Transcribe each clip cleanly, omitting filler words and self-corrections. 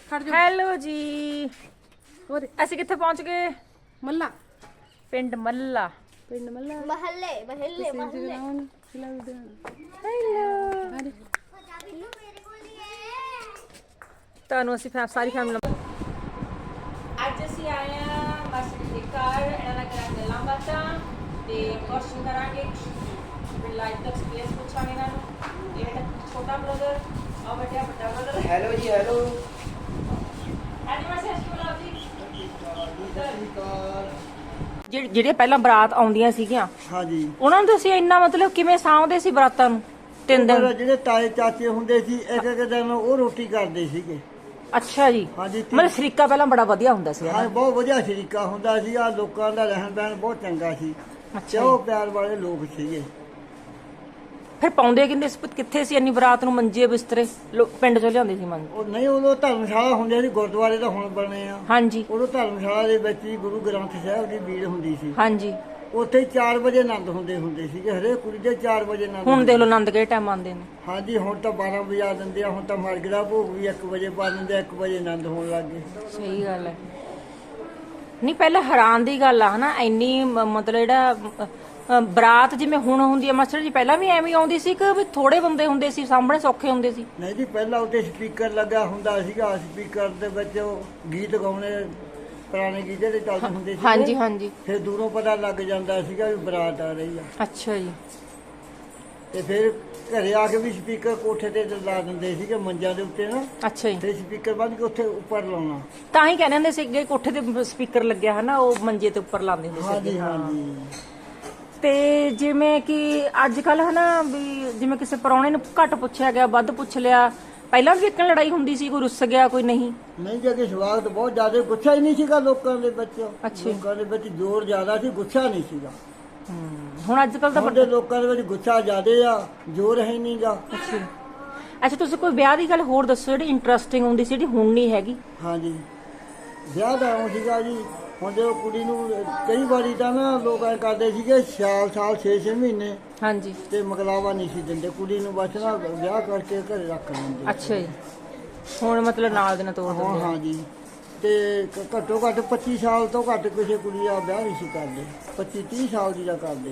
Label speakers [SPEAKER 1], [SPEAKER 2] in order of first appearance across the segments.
[SPEAKER 1] Hello ਜੀ ਅਸੀਂ ਕਿੱਥੇ ਪਹੁੰਚ ਗਏ?
[SPEAKER 2] ਮੱਲਾ
[SPEAKER 1] ਪਿੰਡ ਮੱਲਾ।
[SPEAKER 3] ਮਹੱਲੇ
[SPEAKER 1] ਤੁਹਾਨੂੰ ਅਸੀਂ ਸਾਰੀ ਫੈਮਿਲੀ ਅੱਜ ਅਸੀਂ ਆਏ ਆ ਮਾਸੀ ਦੇ ਘਰ। ਇਹਨਾਂ ਨਾਲ ਕਰਾਂਗੇ ਗੱਲਾਂ ਬਾਤਾਂ ਤੇ ਕੁਐਸਚਨ ਕਰਾਂਗੇ, ਲਾਈਫ ਦਾ ਐਕਸਪੀਰੀਅੰਸ ਪੁੱਛਾਂਗੇ ਇਹਨਾਂ ਨੂੰ। ਇਹ ਬੇਟਾ ਛੋਟਾ ਬ੍ਰਦਰ ਔਰ ਬੇਟਾ ਵੱਡਾ ਬ੍ਰਦਰ।
[SPEAKER 4] ਹੈਲੋ ਜੀ ਹੈਲੋ।
[SPEAKER 1] ਜਿਹੜੇ ਪਹਿਲਾਂ ਬਰਾਤ ਆਉਂਦੀਆਂ ਸੀਗੀਆਂ
[SPEAKER 4] ਹਾਂਜੀ
[SPEAKER 1] ਉਹਨਾਂ ਨੂੰ ਤੁਸੀਂ ਇੰਨਾ ਮਤਲਬ ਕਿਵੇਂ ਸਾਂਭਦੇ ਸੀ ਬਰਾਤਾਂ ਨੂੰ? 3 ਦਿਨ।
[SPEAKER 4] ਜਿਹੜੇ ਤਾਏ ਚਾਚੇ ਹੁੰਦੇ ਸੀ ਇੱਕ ਇੱਕ ਦਿਨ ਉਹ ਰੋਟੀ ਕਰਦੇ ਸੀਗੇ।
[SPEAKER 1] ਅੱਛਾ ਜੀ।
[SPEAKER 4] ਹਾਂਜੀ
[SPEAKER 1] ਮਤਲਬ ਸ਼ਰੀਕਾ ਪਹਿਲਾਂ ਬੜਾ ਵਧੀਆ ਹੁੰਦਾ ਸੀ।
[SPEAKER 4] ਹਾਂ ਬਹੁਤ ਵਧੀਆ ਸ਼ਰੀਕਾ ਹੁੰਦਾ ਸੀ। ਆ ਲੋਕਾਂ ਦਾ ਰਹਿਣ ਬਹਿਣ ਬਹੁਤ ਚੰਗਾ ਸੀ। ਚੋ ਪਿਆਰ ਵਾਲੇ ਲੋਕ ਸੀਗੇ।
[SPEAKER 1] ਫਿਰ ਪਾਉਂਦੇ ਕਿੱਥੇ ਸੀ ਇੰਨੀ ਬਰਾਤ ਨੂੰ? ਮੰਜੇ ਬਿਸਤਰੇ ਪਿੰਡ ਚੋਂ ਲਿਆਉਂਦੇ ਸੀ ਮੰਨ।
[SPEAKER 4] ਉਹ ਨਹੀਂ ਉਦੋਂ ਧਰਮਸ਼ਾਲਾ ਹੁੰਦੇ ਸੀ, ਗੁਰਦੁਆਰੇ ਤਾਂ ਹੁਣ ਬਣੇ ਆ।
[SPEAKER 1] ਹਾਂਜੀ।
[SPEAKER 4] ਉਦੋਂ ਧਰਮਸ਼ਾਲਾ ਦੇ ਵਿੱਚ ਹੀ ਗੁਰੂ ਗ੍ਰੰਥ ਸਾਹਿਬ ਦੀ ਬੀੜ ਹੁੰਦੀ ਸੀ।
[SPEAKER 1] ਹਾਂਜੀ।
[SPEAKER 4] ਉੱਥੇ 4 ਵਜੇ ਆਨੰਦ ਹੁੰਦੇ ਸੀਗੇ। ਹਰੇਕ ਕੁੜੀ ਦੇ 4 ਵਜੇ ਆਨੰਦ।
[SPEAKER 1] ਹੁਣ ਦੇਖ ਲਓ ਆਨੰਦ ਕਿਹੜੇ ਟਾਈਮ ਆਉਂਦੇ ਨੇ।
[SPEAKER 4] ਹਾਂਜੀ ਹੁਣ ਤਾਂ 12 ਵਜੇ ਦਿੰਦੇ ਆ। ਹੁਣ ਤਾਂ ਮਰਗ ਦਾ ਭੋਗ ਵੀ 1 ਵਜੇ ਪਾ ਦਿੰਦੇ ਆ। 1 ਵਜੇ ਆਨੰਦ ਹੋਣ ਲੱਗ ਗਏ।
[SPEAKER 1] ਸਹੀ ਗੱਲ ਹੈ। ਨਹੀਂ ਪਹਿਲਾਂ ਹੈਰਾਨ ਦੀ ਗੱਲ ਆ ਹਨਾ, ਇੰਨੀ ਮਤਲਬ ਜਿਹੜਾ ਬਰਾਤ ਜਿਵੇਂ ਹੁਣ ਹੁੰਦੀ ਹੈ ਮਾਸਟਰ ਜੀ, ਪਹਿਲਾਂ ਵੀ ਐਵੇਂ ਆਉਂਦੀ ਸੀ ਕਿ ਵੀ ਥੋੜੇ ਬੰਦੇ ਹੁੰਦੇ ਸੀ ਸਾਹਮਣੇ ਸੌਖੇ ਹੁੰਦੇ ਸੀ?
[SPEAKER 4] ਨਹੀਂ ਜੀ ਪਹਿਲਾਂ ਉੱਤੇ ਸਪੀਕਰ ਲੱਗਾ ਹੁੰਦਾ ਸੀਗਾ। ਸਪੀਕਰ ਦੇ ਵਿੱਚ ਉਹ ਗੀਤ ਗਾਉਣੇ, ਪੁਰਾਣੇ ਗੀਤ ਜਿਹੜੇ ਚੱਲਦੇ ਹੁੰਦੇ ਸੀ।
[SPEAKER 1] ਹਾਂਜੀ ਹਾਂਜੀ।
[SPEAKER 4] ਫਿਰ ਦੂਰੋਂ ਪਤਾ ਲੱਗ ਜਾਂਦਾ ਸੀਗਾ ਵੀ ਬਰਾਤ ਆ ਰਹੀ ਆ।
[SPEAKER 1] ਅੱਛਾ ਜੀ।
[SPEAKER 4] ਤੇ ਫਿਰ ਘਰੇ ਆ ਕੇ ਵੀ ਸਪੀਕਰ ਕੋਠੇ ਤੇ ਲਾ ਦਿੰਦੇ ਸੀਗੇ ਮੰਜਾਂ ਦੇ ਉੱਤੇ ਨਾ।
[SPEAKER 1] ਅੱਛਾ ਜੀ।
[SPEAKER 4] ਫਿਰ ਸਪੀਕਰ ਬੰਦ ਕੇ ਉੱਥੇ ਉੱਪਰ ਲਾਉਣਾ।
[SPEAKER 1] ਤਾਂ ਹੀ ਕਹਿੰਦੇ ਹੁੰਦੇ ਸੀ ਕੋਠੇ ਤੇ ਸਪੀਕਰ ਲੱਗਿਆ ਹਨਾ, ਉਹ ਮੰਜੇ ਤੇ ਉੱਪਰ ਲਾਉਂਦੇ ਹੁੰਦੇ ਸੀ।
[SPEAKER 4] ਹਾਂਜੀ ਹਾਂਜੀ।
[SPEAKER 1] ਤੇ ਜਿਵੇਂ ਕਿ ਅੱਜ ਕੱਲ ਹਨਾ ਵੀ ਜਿਵੇਂ ਕਿਸੇ ਪ੍ਰਾਹੁਣੇ ਨੂੰ ਘੱਟ ਪੁੱਛਿਆ ਗਿਆ, ਵੱਧ ਪੁੱਛ ਲਿਆ। ਪਹਿਲਾਂ ਵੀ ਇੱਕ ਲੜਾਈ ਹੁੰਦੀ ਸੀ, ਕੋਈ ਰੁੱਸ ਗਿਆ ਕੋਈ ਨਹੀਂ?
[SPEAKER 4] ਨਹੀਂ ਜੇ ਕਿ ਸਵਾਗਤ ਬਹੁਤ ਜ਼ਿਆਦਾ, ਗੁੱਸਾ ਹੀ ਨਹੀਂ ਸੀਗਾ ਲੋਕਾਂ ਦੇ ਵਿੱਚ।
[SPEAKER 1] ਅੱਛਾ।
[SPEAKER 4] ਲੋਕਾਂ ਦੇ ਵਿੱਚ ਜ਼ੋਰ ਜ਼ਿਆਦਾ ਸੀ, ਗੁੱਸਾ ਨਹੀਂ ਸੀਗਾ।
[SPEAKER 1] ਹੁਣ ਅੱਜ ਕੱਲ ਤਾਂ
[SPEAKER 4] ਵੱਡੇ ਲੋਕਾਂ ਦੇ ਵਿੱਚ ਗੁੱਸਾ ਜ਼ਿਆਦਾ ਆ, ਜ਼ੋਰ ਹੈ ਨਹੀਂਗਾ।
[SPEAKER 1] ਅੱਛਾ ਤੁਸੀਂ ਕੋਈ ਵਿਆਹ ਦੀ ਗੱਲ ਹੋਰ ਦੱਸੋ ਜਿਹੜੀ ਇੰਟਰਸਟਿੰਗ ਹੁੰਦੀ ਸੀ, ਜਿਹੜੀ ਹੁਣ ਨਹੀਂ ਹੈਗੀ?
[SPEAKER 4] ਹਾਂਜੀ ਵਿਆਹ ਦਾ ਉਹ ਸੀਗਾ ਜੀ। ਹੁਣ ਜਦੋਂ ਕੁੜੀ ਨੂੰ ਕਈ ਵਾਰੀ ਤਾਂ ਨਾ ਲੋਕ ਐਂ ਕਰਦੇ ਸੀਗੇ ਸਾਲ 6-6 ਮਹੀਨੇ।
[SPEAKER 1] ਹਾਂਜੀ।
[SPEAKER 4] ਤੇ ਮਕਲਾਵਾ ਨਹੀਂ ਸੀ ਦਿੰਦੇ ਕੁੜੀ ਨੂੰ, ਬਸ ਨਾ ਵਿਆਹ ਕਰਕੇ ਘਰੇ ਰੱਖ ਲੈਂਦੇ।
[SPEAKER 1] ਅੱਛਾ ਜੀ। ਹੁਣ ਮਤਲਬ ਨਾਲ ਦੇ ਨਾਲ ਤੋੜ ਦਿੰਦੇ?
[SPEAKER 4] ਹਾਂਜੀ। ਤੇ ਘੱਟੋ ਘੱਟ 25 ਸਾਲ ਤੋਂ ਘੱਟ ਕਿਸੇ ਕੁੜੀ ਦਾ ਵਿਆਹ ਨਹੀਂ ਸੀ ਕਰਦੇ। 25-30 ਸਾਲ ਦੀ ਦਾ ਕਰਦੇ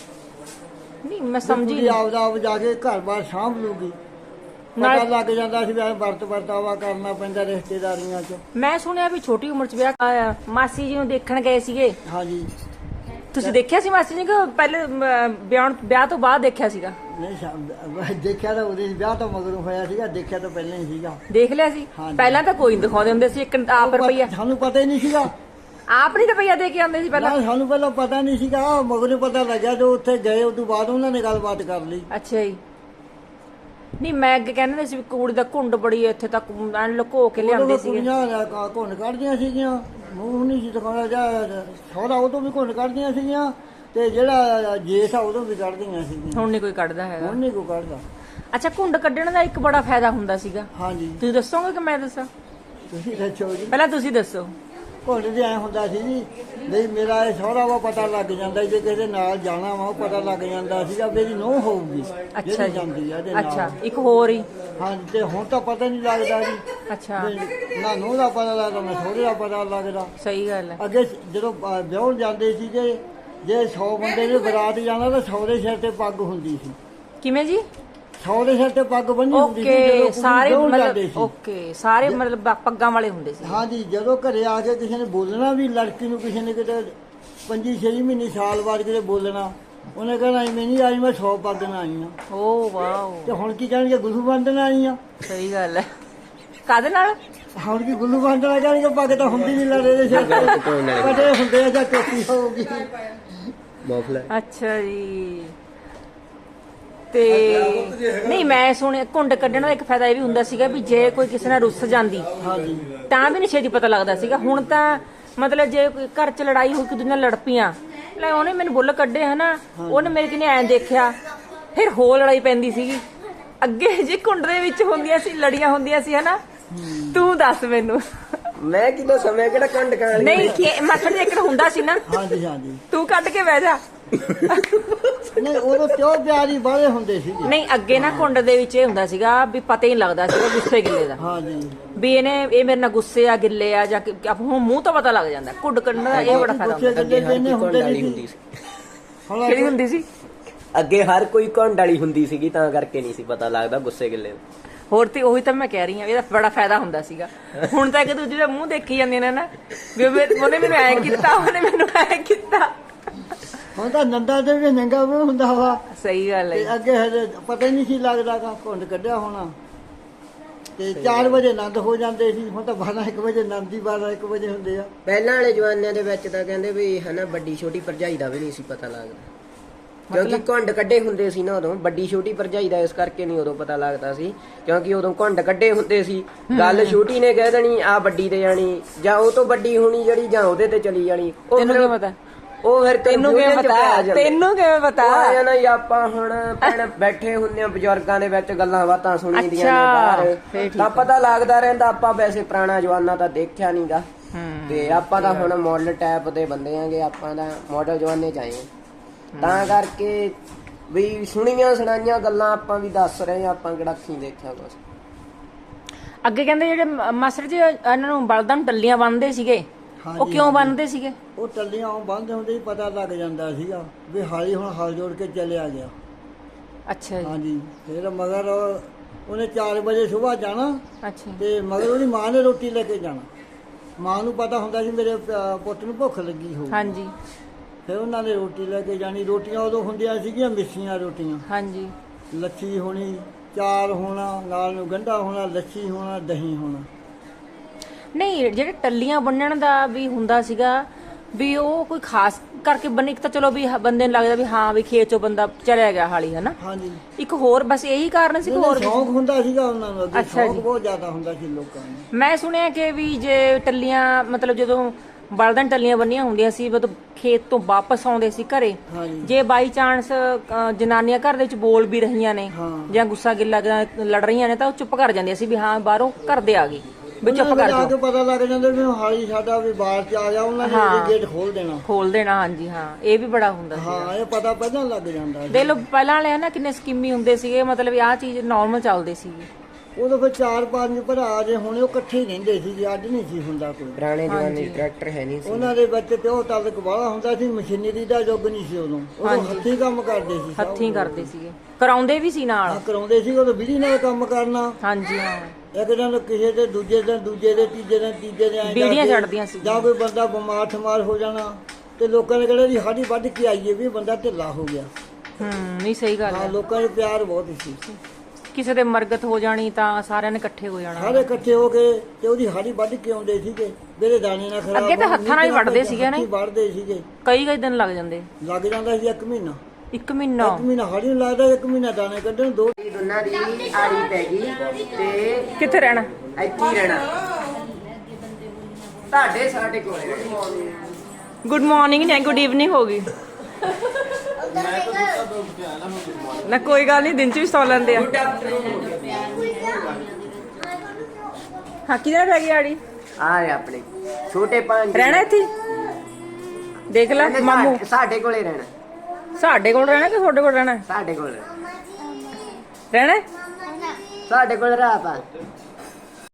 [SPEAKER 4] ਸੀ।
[SPEAKER 1] ਨਹੀਂ ਮੈਂ ਸਮਝੀ
[SPEAKER 4] ਕੁੜੀ ਆਪਦਾ ਆਪ ਜਾ ਕੇ ਘਰ-ਬਾਰ ਸਾਂਭ ਲੂਗੀ। ਪਤਾ ਲੱਗ ਜਾਂਦਾ ਸੀ ਵੀ ਵਰਤ ਵਰਤਾਵਾ ਕਰਨਾ ਪੈਂਦਾ ਰਿਸ਼ਤੇਦਾਰੀਆਂ 'ਚ।
[SPEAKER 1] ਮੈਂ ਸੁਣਿਆ ਵੀ ਛੋਟੀ ਉਮਰ 'ਚ ਵਿਆਹ ਆਇਆ। ਮਾਸੀ ਜੀ ਨੂੰ ਦੇਖਣ ਗਏ ਸੀਗੇ?
[SPEAKER 4] ਹਾਂਜੀ।
[SPEAKER 1] ਤੁਸੀਂ ਦੇਖਿਆ ਸੀ ਮਾਸੀ ਜੀ ਕਿ ਪਹਿਲੇ ਵਿਆਹ ਤੋਂ ਬਾਅਦ ਦੇਖਿਆ ਸੀਗਾ?
[SPEAKER 4] ਨਹੀਂ ਦੇਖਿਆ ਤਾਂ ਉਹਦੇ ਵਿਆਹ ਤੋਂ ਮਗਰੋਂ ਹੋਇਆ ਸੀਗਾ। ਦੇਖਿਆ ਤਾਂ ਪਹਿਲਾਂ ਹੀ ਸੀਗਾ।
[SPEAKER 1] ਦੇਖ ਲਿਆ ਸੀ? ਪਹਿਲਾਂ ਤਾਂ ਕੋਈ ਨੀ ਦਿਖਾਉਂਦੇ ਹੁੰਦੇ ਸੀ। ਇੱਕ ਆਪ ਰੁਪਈਆ
[SPEAKER 4] ਸਾਨੂੰ ਪਤਾ ਹੀ ਨਹੀਂ ਸੀਗਾ।
[SPEAKER 1] ਆਪ ਨਹੀਂ ਰੁਪਈਆ ਦੇ ਕੇ ਆਉਂਦੇ ਸੀ ਪਹਿਲਾਂ?
[SPEAKER 4] ਸਾਨੂੰ ਪਹਿਲਾਂ ਪਤਾ ਨਹੀਂ ਸੀਗਾ। ਮਗਰੋਂ ਪਤਾ ਲੱਗਿਆ ਜੋ ਉੱਥੇ ਗਏ ਉਸ ਤੋਂ ਬਾਅਦ ਉਹਨਾਂ ਨੇ ਗੱਲਬਾਤ ਕਰ ਲਈ।
[SPEAKER 1] ਅੱਛਾ ਜੀ। ਨਹੀਂ ਮੈਂ ਅੱਗੇ ਕਹਿੰਦੇ ਸੀ ਵੀ ਕੁੜੀ ਦਾ ਘੁੰਡ ਬੜੀ ਇੱਥੇ ਤੱਕ ਲੁਕੋ ਕੇ ਲਿਆਉਂਦੇ ਸੀਗੇ।
[SPEAKER 4] ਕੁੜੀਆਂ ਘੁੰਡ ਕੱਢਦੀਆਂ ਸੀਗੀਆਂ, ਮੂੰਹ ਨਹੀਂ ਸੀ ਦਿਖਾਉਣਾ। ਜਾਂ ਸਹੁਰਾ ਉਦੋਂ ਵੀ ਘੁੰਡ ਕੱਢਦੀਆਂ ਸੀਗੀਆਂ ਤੇ ਜਿਹੜਾ ਜੇਠ ਆ ਉਦੋਂ ਵੀ ਕੱਢਦੀਆਂ ਸੀਗੀਆਂ।
[SPEAKER 1] ਹੁਣ ਨਹੀਂ ਕੋਈ ਕੱਢਦਾ ਹੈਗਾ?
[SPEAKER 4] ਹੁਣ ਨਹੀਂ ਕੋਈ ਕੱਢਦਾ।
[SPEAKER 1] ਅੱਛਾ ਘੁੰਡ ਕੱਢਣ ਦਾ ਇੱਕ ਬੜਾ ਫਾਇਦਾ ਹੁੰਦਾ ਸੀਗਾ।
[SPEAKER 4] ਹਾਂਜੀ।
[SPEAKER 1] ਤੁਸੀਂ ਦੱਸੋਗੇ ਕਿ ਮੈਂ ਦੱਸਾਂ?
[SPEAKER 4] ਤੁਸੀਂ ਦੱਸੋ ਜੀ।
[SPEAKER 1] ਪਹਿਲਾਂ ਤੁਸੀਂ ਦੱਸੋ।
[SPEAKER 4] ਘੁੰਡ ਦੇ ਐ ਹੁੰਦਾ ਸੀ ਜੀ ਨਹੀਂ ਮੇਰਾ ਇਹ ਸਹੁਰਾ ਵਾ ਪਤਾ ਲੱਗ ਜਾਂਦਾ। ਜੇ ਕਿਸੇ ਦੇ ਨਾਲ ਜਾਣਾ ਵਾ ਉਹ ਪਤਾ ਲੱਗ ਜਾਂਦਾ ਸੀਗਾ ਵੀ ਇਹਦੀ ਨੂੰਹ ਹੋਊਗੀ।
[SPEAKER 1] ਅੱਛਾ ਜੀ।
[SPEAKER 4] ਜਾਂਦੀ ਆ ਇਹਦੇ ਨਾਲ।
[SPEAKER 1] ਅੱਛਾ ਇੱਕ ਹੋਰ ਹੀ?
[SPEAKER 4] ਹਾਂਜੀ। ਤੇ ਹੁਣ ਤਾਂ ਪਤਾ ਨਹੀਂ ਲੱਗਦਾ ਜੀ।
[SPEAKER 1] ਅੱਛਾ।
[SPEAKER 4] ਨਾ ਨੂੰਹ ਦਾ ਪਤਾ ਲੱਗਦਾ ਨਾ ਸਹੁਰੇ ਦਾ ਪਤਾ ਲੱਗਦਾ।
[SPEAKER 1] ਸਹੀ ਗੱਲ ਹੈ।
[SPEAKER 4] ਅੱਗੇ ਜਦੋਂ ਵਿਆਹਣ ਜਾਂਦੇ ਸੀਗੇ ਜੇ 100 ਬੰਦੇ ਨੇ ਬਰਾਤ ਜਾਣਾ ਤਾਂ 100 ਦੇ ਸਿਰ ਤੇ ਪੱਗ ਹੁੰਦੀ ਸੀ।
[SPEAKER 1] ਕਿਵੇਂ ਜੀ?
[SPEAKER 4] 100 ਦੇ ਸਿਰ ਤੇ ਪੱਗ ਬੰਨੀ ਹੁੰਦੀ ਸੀ
[SPEAKER 1] ਓਕੇ। ਸਾਰੇ
[SPEAKER 4] ਮਤਲਬ
[SPEAKER 1] ਓਕੇ ਸਾਰੇ ਮਤਲਬ ਪੱਗਾਂ ਵਾਲੇ ਹੁੰਦੇ ਸੀ?
[SPEAKER 4] ਹਾਂਜੀ। ਜਦੋਂ ਘਰੇ ਆ ਕੇ ਕਿਸੇ ਨੇ ਬੋਲਣਾ ਵੀ ਲੜਕੀ ਨੂੰ, ਕਿਸੇ ਨੇ ਕਿਤੇ 5-6 ਮਹੀਨੇ ਸਾਲ ਬਾਅਦ ਕਿਤੇ ਬੋਲਣਾ, ਉਹਨੇ ਕਹਿਣਾ ਮੈਂ ਨਹੀਂ ਆਈ, ਮੈਂ 100 ਪੱਗ ਨਾਲ ਆਈ ਆ।
[SPEAKER 1] Oh wow.
[SPEAKER 4] ਤੇ ਹੁਣ ਕੀ ਕਹਿਣਗੇ ਗੁਰੂ ਬੰਦਨ ਆਈ ਆ।
[SPEAKER 1] ਸਹੀ ਗੱਲ ਹੈ। ਕਾਹਦੇ ਨਾਲ?
[SPEAKER 4] ਹੁਣ ਕੀ ਗੁਰੂ ਬੰਦਨ ਕਹਿਣਗੇ ਪੱਗ ਤਾਂ ਹੁੰਦੀ ਨਹੀਂ ਲੜੇ ਦੇ ਸਿਰ ਤੇ ਕਦੇ ਹੁੰਦੇ ਆ ਜਾਂ ਟੋਪੀ ਹੋਊਗੀ।
[SPEAKER 1] ਅੱਛਾ ਜੀ। ਤੇ ਨਹੀਂ ਮੈਂ ਸੁਣਿਆ ਘੁੰਡ ਕੱਢਣ ਦਾ ਇੱਕ ਫਾਇਦਾ ਇਹ ਵੀ ਹੁੰਦਾ ਸੀਗਾ ਵੀ ਜੇ ਕੋਈ ਕਿਸੇ ਨਾਲ ਰੁੱਸ ਜਾਂਦੀ ਤਾਂ ਵੀ ਨਹੀਂ ਛੇਤੀ ਪਤਾ ਲੱਗਦਾ ਸੀਗਾ। ਹੁਣ ਤਾਂ ਮਤਲਬ ਜੇ ਕੋਈ ਘਰ 'ਚ ਲੜਾਈ ਹੋਈ, ਕਿ ਦੂਜੇ ਨਾਲ ਲੜ ਪਈਆਂ, ਲੈ ਉਹਨੇ ਮੈਨੂੰ ਬੁੱਲ ਕੱਢੇ ਹਨਾ, ਉਹਨੇ ਮੇਰੇ ਕਿਨੇ ਐਂ ਦੇਖਿਆ, ਫਿਰ ਹੋਰ ਲੜਾਈ ਪੈਂਦੀ ਸੀਗੀ। ਅੱਗੇ ਜੇ ਘੁੰਡ ਦੇ ਵਿੱਚ ਹੁੰਦੀਆਂ ਸੀ, ਲੜੀਆਂ ਹੁੰਦੀਆਂ ਸੀ ਹਨਾ। ਤੂੰ ਦੱਸ ਮੈਨੂੰ।
[SPEAKER 2] ਮੈਂ ਕੀ ਦੱਸਾਂ, ਮੈਂ ਕਿਹੜਾ ਕੰਡ ਕਾਲ
[SPEAKER 1] ਨਹੀਂ ਮੱਖਣ ਦੇ ਇੱਕ ਹੁੰਦਾ ਸੀ ਨਾ।
[SPEAKER 4] ਹਾਂਜੀ ਹਾਂਜੀ।
[SPEAKER 1] ਤੂੰ ਕੱਢ ਕੇ ਬਹਿ ਜਾ।
[SPEAKER 4] ਨਹੀਂ ਉਦੋਂ ਕਿਉਂ ਪਿਆਰੀ ਬਾਲੇ ਹੁੰਦੇ ਸੀਗੇ।
[SPEAKER 1] ਨਹੀਂ ਅੱਗੇ ਨਾ ਘੁੰਡ ਦੇ ਵਿੱਚ ਇਹ ਹੁੰਦਾ ਸੀਗਾ ਵੀ ਪਤਾ ਹੀ ਨਹੀਂ ਲੱਗਦਾ ਸੀਗਾ ਗੁੱਸੇ ਗਿੱਲੇ ਦਾ।
[SPEAKER 4] ਹਾਂਜੀ।
[SPEAKER 1] ਵੀ ਇਹ ਮੇਰੇ ਨਾਲ ਗੁੱਸੇ ਆ, ਗਿੱਲੇ ਆ, ਜਾਂ ਹੁਣ ਮੂੰਹ ਤੋਂ ਪਤਾ ਲੱਗ ਜਾਂਦਾ। ਘੁੱਡ ਕੱਢਣ ਦਾ ਇਹ ਬੜਾ ਫਾਇਦਾ ਹੁੰਦਾ।
[SPEAKER 2] ਅੱਗੇ ਹਰ ਕੋਈ ਘੁੰਡ ਵਾਲੀ ਹੁੰਦੀ ਸੀ।
[SPEAKER 1] ਕਿਹੜੀ ਹੁੰਦੀ ਸੀ?
[SPEAKER 2] ਅੱਗੇ ਹਰ ਕੋਈ ਘੁੰਡ ਵਾਲੀ ਹੁੰਦੀ ਸੀਗੀ, ਤਾਂ ਕਰਕੇ ਨਹੀਂ ਸੀ ਪਤਾ ਲੱਗਦਾ ਗੁੱਸੇ ਗਿੱਲੇ ਦਾ।
[SPEAKER 1] ਹੋਰ ਤੇ ਉਹੀ ਤਾਂ ਮੈਂ ਕਹਿ ਰਹੀ ਹਾਂ, ਇਹਦਾ ਬੜਾ ਫਾਇਦਾ ਹੁੰਦਾ ਸੀਗਾ। ਹੁਣ ਤਾਂ ਇੱਕ ਦੂਜੇ ਦਾ ਮੂੰਹ ਦੇਖੀ ਜਾਂਦੇ ਨੇ ਨਾ, ਵੀ ਉਹਨੇ ਮੈਨੂੰ ਐ ਕੀਤਾ, ਉਹਨੇ ਮੈਨੂੰ ਐ ਕੀਤਾ।
[SPEAKER 4] ਹੁਣ ਤਾਂ ਨੰਦਾ ਤੇ ਵੀ ਨੰਗਾ ਵੀ ਹੁੰਦਾ ਵਾ।
[SPEAKER 1] ਸਹੀ ਗੱਲ ਹੈ।
[SPEAKER 4] ਤੇ ਅੱਗੇ ਹਜੇ ਪਤਾ ਹੀ ਨਹੀਂ ਸੀ ਲੱਗਦਾ ਗਾ ਘੁੰਡ ਕੱਢਿਆ ਹੋਣਾ। ਤੇ 4 ਵਜੇ ਆਨੰਦ ਹੋ ਜਾਂਦੇ ਸੀ, ਹੁਣ ਤਾਂ 12-1 ਵਜੇ ਆਨੰਦ ਹੀ 12-1 ਵਜੇ ਹੁੰਦੇ ਆ।
[SPEAKER 2] ਪਹਿਲਾਂ ਵਾਲੇ ਜਵਾਨਿਆਂ ਦੇ ਵਿੱਚ ਤਾਂ ਕਹਿੰਦੇ ਵੀ ਹਨਾ ਵੱਡੀ ਛੋਟੀ ਭਰਜਾਈ ਦਾ ਵੀ ਨਹੀਂ ਸੀ ਪਤਾ ਲੱਗਦਾ, ਕਿਉਂਕਿ ਘੁੰਡ ਕੱਢੇ ਹੁੰਦੇ ਸੀ ਨਾ ਉਦੋਂ। ਵੱਡੀ ਛੋਟੀ ਭਰਜਾਈ ਦਾ ਇਸ ਕਰਕੇ ਨਹੀਂ ਉਦੋਂ ਪਤਾ ਲੱਗਦਾ ਸੀ, ਕਿਉਂਕਿ ਉਦੋਂ ਘੁੰਡ ਕੱਢੇ ਹੁੰਦੇ ਸੀ। ਗੱਲ ਛੋਟੀ ਨੇ ਕਹਿ ਦੇਣੀ ਆ ਵੱਡੀ ਤੇ ਜਾਣੀ, ਜਾਂ ਉਹ ਤੋਂ ਵੱਡੀ ਹੋਣੀ ਜਿਹੜੀ, ਜਾਂ ਉਹਦੇ ਤੇ ਚਲੀ ਜਾਣੀ।
[SPEAKER 1] ਤੈਨੂੰ ਕੀ ਪਤਾ?
[SPEAKER 2] ਉਹ ਫਿਰ
[SPEAKER 1] ਤੈਨੂੰ ਕਿਵੇਂ ਪਤਾ? ਤੈਨੂੰ ਕਿਵੇਂ ਪਤਾ?
[SPEAKER 2] ਆ ਨਾ ਆਪਾਂ ਹੁਣ ਭੈਣ ਬੈਠੇ ਹੁੰਦੇ ਆ ਬਜ਼ੁਰਗਾਂ ਦੇ ਵਿੱਚ, ਗੱਲਾਂ ਬਾਤਾਂ ਸੁਣੀ ਦੀਆਂ ਨੇ ਬਾਹਰ, ਤਾਂ ਪਤਾ ਲੱਗਦਾ ਰਹਿੰਦਾ। ਆਪਾਂ ਵੈਸੇ ਪੁਰਾਣਾ ਜਵਾਨਾ ਤਾਂ ਦੇਖਿਆ ਨਹੀਂਗਾ, ਤੇ ਆਪਾਂ ਤਾਂ ਹੁਣ ਮਾਡਲ ਟਾਈਪ ਦੇ ਬੰਦੇ ਆਂਗੇ, ਆਪਾਂ ਤਾਂ ਮਾਡਲ ਜਵਾਨੇ ਚ ਆਏ ਆ। ਤਾਂ ਕਰਕੇ ਵੀ ਸੁਣੀਆਂ ਸੁਣਾਈਆਂ ਗੱਲਾਂ ਆਪਾਂ ਵੀ ਦੱਸ ਰਹੇ ਆ, ਆਪਾਂ ਕਿਹੜਾ ਅੱਖੀਂ ਦੇਖਿਆ ਕੁਛ।
[SPEAKER 1] ਅੱਗੇ ਕਹਿੰਦੇ ਜਿਹੜੇ ਮਾਸਟਰ ਜੀ ਇਹਨਾਂ ਨੂੰ ਬਲਦਾਂ ਨੂੰ ਟੱਲੀਆਂ ਬੰਨਦੇ ਸੀਗੇ, ਉਹ ਕਿਉਂ ਬੰਨਦੇ ਸੀਗੇ?
[SPEAKER 4] ਉਹ ਟੱਲੀਆਂ ਬੰਨ੍ਹਦੇ ਹੁੰਦੇ ਹੀ ਪਤਾ ਲੱਗ ਜਾਂਦਾ ਸੀਗਾ ਵੀ ਹਾਲੀ ਹੁਣ ਹਲ ਜੋੜ ਕੇ ਚਲਿਆ ਗਿਆ।
[SPEAKER 1] ਅੱਛਾ ਜੀ।
[SPEAKER 4] ਹਾਂਜੀ, ਫਿਰ ਮਗਰ ਉਹਨੇ 4 ਵਜੇ ਸਵੇਰ ਜਾਣਾ,
[SPEAKER 1] ਅੱਛਾ।
[SPEAKER 4] ਤੇ ਮਗਰ ਉਹਦੀ ਮਾਂ ਨੇ ਰੋਟੀ ਲੈ ਕੇ ਜਾਣਾ। ਮਾਂ ਨੂੰ ਪਤਾ ਹੁੰਦਾ ਸੀ ਮੇਰੇ ਪੁੱਤ ਨੂੰ ਭੁੱਖ ਲੱਗੀ ਹੋਊ।
[SPEAKER 1] ਹਾਂਜੀ।
[SPEAKER 4] ਫਿਰ ਉਹਨਾਂ ਨੇ ਰੋਟੀ ਲੈ ਕੇ ਜਾਣੀ। ਰੋਟੀਆਂ ਉਦੋਂ ਹੁੰਦੀਆਂ ਸੀਗੀਆਂ ਮਿੱਸੀਆਂ ਰੋਟੀਆਂ।
[SPEAKER 1] ਹਾਂਜੀ।
[SPEAKER 4] ਲੱਛੀ ਹੋਣੀ, ਚਾਰ ਹੋਣਾ, ਨਾਲ ਨੂੰ ਗੰਢਾ ਹੋਣਾ, ਲੱਛੀ ਹੋਣਾ, ਦਹੀਂ ਹੋਣਾ।
[SPEAKER 1] ਨਹੀਂ, ਜਿਹੜੇ ਟੱਲੀਆਂ ਬੰਨਣ ਦਾ ਵੀ ਹੁੰਦਾ ਸੀਗਾ, ਵੀ ਉਹ ਕੋਈ ਖਾਸ ਕਰਕੇ ਬੰਨ, ਇੱਕ ਤਾਂ ਚਲੋ ਵੀ ਬੰਦੇ ਨੂੰ ਲੱਗਦਾ ਵੀ ਹਾਂ ਵੀ ਖੇਤ ਚੋਂ ਬੰਦਾ ਚਲਿਆ ਗਿਆ ਹਾਲੀ, ਹਨਾ।
[SPEAKER 4] ਹਾਂਜੀ।
[SPEAKER 1] ਇੱਕ ਹੋਰ ਬਸ ਇਹੀ ਕਾਰਨ ਸੀ ਕਿ ਹੋਰ
[SPEAKER 4] ਸ਼ੌਂਕ ਹੁੰਦਾ ਸੀਗਾ ਉਹਨਾਂ ਨੂੰ, ਅੱਗੇ
[SPEAKER 1] ਅੱਛਾ
[SPEAKER 4] ਸ਼ੌਂਕ
[SPEAKER 1] ਜੀ।
[SPEAKER 4] ਬਹੁਤ ਜ਼ਿਆਦਾ ਹੁੰਦਾ ਸੀ ਲੋਕਾਂ ਨੂੰ।
[SPEAKER 1] ਮੈਂ ਸੁਣਿਆ ਕਿ ਵੀ ਜੇ ਟੱਲੀਆਂ ਮਤਲਬ ਜਦੋਂ ਬਲਦਾਂ ਟੱਲੀਆਂ ਬੰਨੀਆਂ ਹੁੰਦੀਆਂ ਸੀ, ਮਤਲਬ ਖੇਤ ਤੋਂ ਵਾਪਸ ਆਉਂਦੇ ਸੀ ਘਰੇ,
[SPEAKER 4] ਹਾਂਜੀ।
[SPEAKER 1] ਜੇ ਬਾਈ ਚਾਂਸ ਜਨਾਨੀਆਂ ਘਰ ਦੇ ਵਿੱਚ ਬੋਲ ਵੀ ਰਹੀਆਂ ਨੇ
[SPEAKER 4] ਹਾਂ।
[SPEAKER 1] ਜਾਂ ਗੁੱਸਾ ਗਿੱਲਾ ਜਾਂ ਲੜ ਰਹੀਆਂ ਨੇ, ਤਾਂ ਉਹ ਚੁੱਪ ਕਰ ਜਾਂਦੀਆਂ ਸੀ ਵੀ ਹਾਂ ਬਾਹਰੋਂ ਘਰ ਦੇ ਆ ਗਏ, ਵੀ ਚੁੱਪ ਕਰ
[SPEAKER 4] ਆ
[SPEAKER 1] ਜਾਓ।
[SPEAKER 4] ਕੇ ਪਤਾ ਲੱਗ ਜਾਂਦਾ ਵੀ ਹਾਲੀ ਸਾਡਾ ਵੀ ਬਾਹਰ ਚ ਆ ਗਿਆ, ਉਹਨਾਂ ਨੇ ਉਹਦੀ ਗੇਟ ਖੋਲ ਦੇਣਾ।
[SPEAKER 1] ਖੋਲ ਦੇਣਾ, ਹਾਂਜੀ ਹਾਂ, ਇਹ ਵੀ ਬੜਾ ਹੁੰਦਾ ਸੀ।
[SPEAKER 4] ਹਾਂ, ਇਹ ਪਤਾ ਪਹਿਲਾਂ ਲੱਗ ਜਾਂਦਾ।
[SPEAKER 1] ਦੇਖ ਲਓ ਪਹਿਲਾਂ ਵਾਲੇ ਨਾ ਕਿੰਨੇ ਸਕੀਮੀ ਹੁੰਦੇ ਸੀਗੇ, ਮਤਲਬ ਆਹ ਚੀਜ਼ ਨਾਰਮਲ ਚੱਲਦੇ ਸੀਗੇ।
[SPEAKER 4] ਉਦੋਂ ਫਿਰ 4-5 ਭਰਾ ਜੇ ਹੁਣ ਉਹ ਇਕੱਠੇ ਹੀ ਰਹਿੰਦੇ ਸੀ, ਅੱਜ ਨਹੀਂ ਸੀ ਹੁੰਦਾ ਕੋਈ।
[SPEAKER 2] ਪੁਰਾਣੇ ਜਮਾਨੇ ਟਰੈਕਟਰ ਹੈ ਨਹੀਂ ਸੀ,
[SPEAKER 4] ਉਹਨਾਂ ਦੇ ਵਿੱਚ ਪਿਓ ਤਲਕ ਵਾਲਾ ਹੁੰਦਾ ਸੀ, ਮਸ਼ੀਨਰੀ ਦਾ ਯੁੱਗ ਨਹੀਂ ਸੀ ਉਦੋਂ ਹੱਥੀਂ ਕੰਮ ਕਰਦੇ ਸੀ।
[SPEAKER 1] ਹੱਥੀਂ ਕਰਦੇ ਸੀਗੇ, ਕਰਾਉਂਦੇ ਵੀ ਸੀ ਨਾਲ।
[SPEAKER 4] ਕਰਾਉਂਦੇ ਸੀ, ਉਦੋਂ ਬਿਜਲੀ ਨਾਲ ਕੰਮ ਕਰਨਾ।
[SPEAKER 1] ਹਾਂਜੀ ਹਾਂ।
[SPEAKER 4] ਇੱਕ ਦਿਨ ਕਿਸੇ ਦੇ, ਦੂਜੇ ਦਿਨ ਤੀਜੇ ਦਿਨ
[SPEAKER 1] ਬੀੜੀਆਂ ਚੜਦੀਆਂ ਸੀ।
[SPEAKER 4] ਜਾਂ ਕੋਈ ਬੰਦਾ ਬਿਮਾਰ ਠਮਾਰ ਹੋ ਜਾਣਾ, ਤੇ ਲੋਕਾਂ ਨੇ ਕਹਿਣਾ ਜੀ ਸਾਡੀ ਵੱਢ ਕੇ ਆਈਏ ਵੀ ਬੰਦਾ ਢਿੱਲਾ ਹੋ ਗਿਆ।
[SPEAKER 1] ਨਹੀਂ ਸਹੀ ਗੱਲ ਹੈ।
[SPEAKER 4] ਲੋਕਾਂ ਦੇ ਪਿਆਰ ਬਹੁਤ ਸੀ।
[SPEAKER 1] ਕਿਸੇ ਦੇ ਮਰਗਤ ਹੋ ਜਾਣੀ ਤਾਂ ਸਾਰਿਆਂ ਨੇ ਇਕੱਠੇ ਹੋ ਜਾਣਾ,
[SPEAKER 4] ਸਾਰੇ ਇਕੱਠੇ ਹੋ ਕੇ ਤੇ ਉਹਦੀ ਹਾੜੀ ਵੱਢ ਕੇ ਆਉਂਦੇ ਸੀਗੇ। ਮੇਰੇ ਦਾਣੇ ਨਾਲ ਖਰਾਬ
[SPEAKER 1] ਅੱਗੇ ਤਾਂ ਹੱਥਾਂ ਨਾਲ ਹੀ ਵੱਢਦੇ ਸੀਗੇ ਨਾ,
[SPEAKER 4] ਵੱਢਦੇ ਸੀਗੇ।
[SPEAKER 1] ਕਈ ਦਿਨ ਲੱਗ ਜਾਂਦੇ।
[SPEAKER 4] ਲੱਗ ਜਾਂਦਾ ਸੀ 1 ਮਹੀਨਾ।
[SPEAKER 1] 1 ਮਹੀਨਾ?
[SPEAKER 4] 1 ਮਹੀਨਾ ਹਾੜੀ ਨੂੰ ਲੱਗਦਾ, 1 ਮਹੀਨਾ ਦਾਣੇ ਕੱਢਣ।
[SPEAKER 2] ਦੋਨਾਂ ਦੀ ਆੜੀ ਪੈ ਗਈ ਤੇ
[SPEAKER 1] ਕਿੱਥੇ ਰਹਿਣਾ?
[SPEAKER 2] ਇੱਥੇ ਹੀ ਰਹਿਣਾ, ਤੁਹਾਡੇ ਸਾਡੇ ਕੋਲੇ ਰਹਿਣਾ।
[SPEAKER 1] ਗੁੱਡ ਮਾਰਨਿੰਗ ਨੇ ਗੁੱਡ ਈਵਨਿੰਗ ਹੋ ਗਈ ਨਾ, ਕੋਈ ਗੱਲ ਨਹੀਂ, ਦਿਨ ਚ ਵੀ ਸੌ ਲੈਂਦੇ ਆ। ਹਾਂ, ਕਿਹਦੇ ਪੈ ਗਈ ਆੜੀ?
[SPEAKER 2] ਆ ਰਹੇ ਆਪਣੇ ਛੋਟੇ ਪੰਜ
[SPEAKER 1] ਰਹਿਣਾ ਇੱਥੇ? ਦੇਖ ਲੈ ਮਾਮੂ,
[SPEAKER 2] ਸਾਡੇ ਕੋਲੇ ਰਹਿਣਾ।
[SPEAKER 1] ਸਾਡੇ ਕੋਲ ਰਹਿਣਾ ਕਿ ਤੁਹਾਡੇ ਕੋਲ ਰਹਿਣਾ?
[SPEAKER 2] ਸਾਡੇ ਕੋਲ
[SPEAKER 1] ਰਹਿਣਾ
[SPEAKER 2] ਸਾਡੇ ਕੋਲ ਰਹਿ ਪਾ।